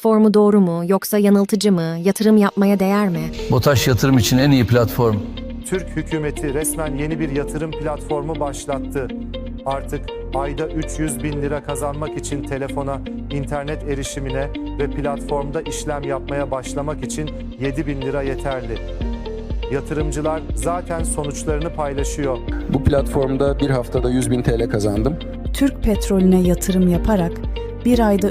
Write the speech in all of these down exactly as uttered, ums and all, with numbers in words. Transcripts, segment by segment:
platformu doğru mu yoksa yanıltıcı mı? Yatırım yapmaya değer mi? BOTAŞ yatırım için en iyi platform. Türk hükümeti resmen yeni bir yatırım platformu başlattı. Artık ayda üç yüz bin lira kazanmak için telefona, internet erişimine ve platformda işlem yapmaya başlamak için yedi bin lira yeterli. Yatırımcılar zaten sonuçlarını paylaşıyor. Bu platformda bir haftada yüz bin T L kazandım. Türk petrolüne yatırım yaparak bir ayda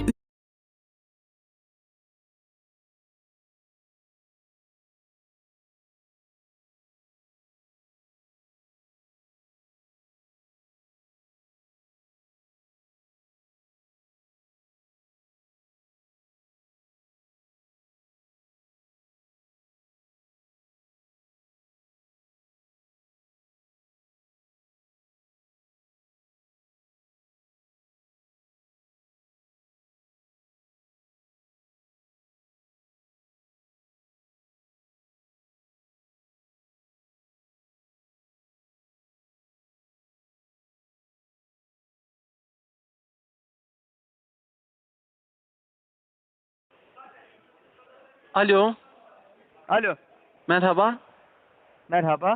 Alo, Alo, merhaba. merhaba.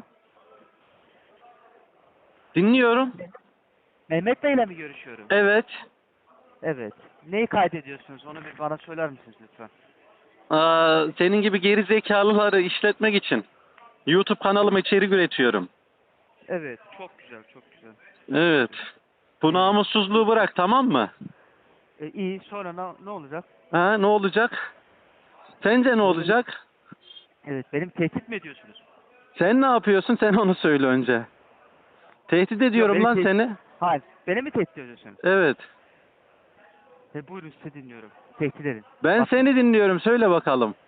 Dinliyorum. Mehmet Bey ile mi görüşüyorum? Evet. Evet. Neyi kaydediyorsunuz? Onu bir bana söyler misiniz lütfen? Aa, senin gibi geri zekalıları işletmek için YouTube kanalıma içerik üretiyorum. Evet, çok güzel, çok güzel. Evet. Bu namussuzluğu bırak, tamam mı? E, iyi, sonra ne, ne olacak? Ha, ne olacak? Sence ne olacak? Evet, benim tehdit mi ediyorsunuz? Sen ne yapıyorsun? Sen onu söyle önce. Tehdit ediyorum beni lan tehdit- seni. Hayır, beni mi tehdit ediyorsunuz? Evet. E, buyurun sizi dinliyorum. Tehdit edin. Ben Bak- seni dinliyorum. Söyle bakalım.